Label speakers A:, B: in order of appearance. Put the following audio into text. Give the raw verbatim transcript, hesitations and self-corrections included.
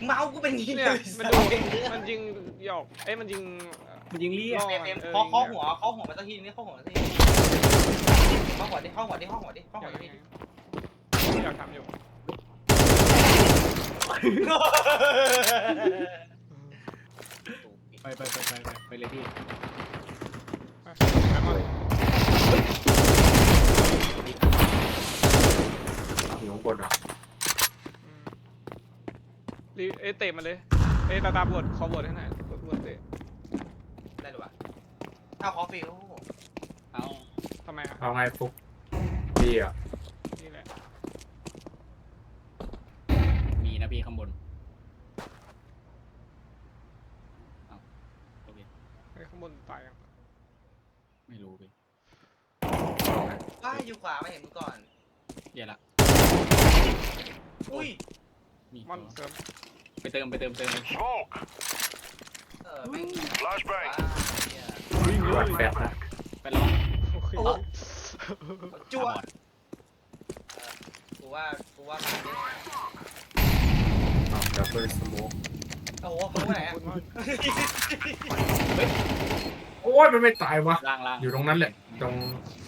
A: เมาส์กูเป็นงี้
B: เนี่ยมันดูมันยิงหยอกเอ้ยมันยิง
C: มันยิงเลี่ย
A: เอ็มเอ็มเคาะเคาะหัวเคาะหัวมาสักทีนี่เคาะหัวมาสักทีเคาะหัวดิเคาะหัวดิเคาะหัวดิเคาะ
B: อ
A: หั
B: ยาว ก
A: ดิ
B: อยากทำอยู่
C: ไปไปไปไปไปเลยพี่
B: ไปไปก่อน
D: อยู่ข้างบนเหรอ
B: รีเอยเตะมันเลยเอยตาตาบวชขอบวชให้หน่อยบวชเตะ
A: ได้หรือวะเอาคอฟฟี่
C: เอา
B: ทำไมอ่ะ
D: เอาไงฟุกดีอ่ะ
B: นี่แหละ
C: มีนะพี่ข้างบนเอาโอเค
B: ไอ้ข้างบนตายยัง
C: ไม่รู้พี่
A: ว่าอยู่ขวามาเห็นมึงก่อน
C: เดี๋ยวละ
A: อุ้ย
C: มี
B: มอนเสริม
C: ไปเติมไปเติมเติมเลย
E: Smoke.
A: เออแม่ง
E: Flashbang.
D: วัดแฟบนะ
C: ไปลอง
B: โอเค
A: จั่วกูว่ากูว่ามาเนี่ย
D: อ๋อดับเบิลสโมก
A: โอ้โหมึงไหนอ่ะ
D: โอ้ยมันไม่ตายวะ
C: ล่างล่าง
D: อยู่ตรงนั้นแหละตรง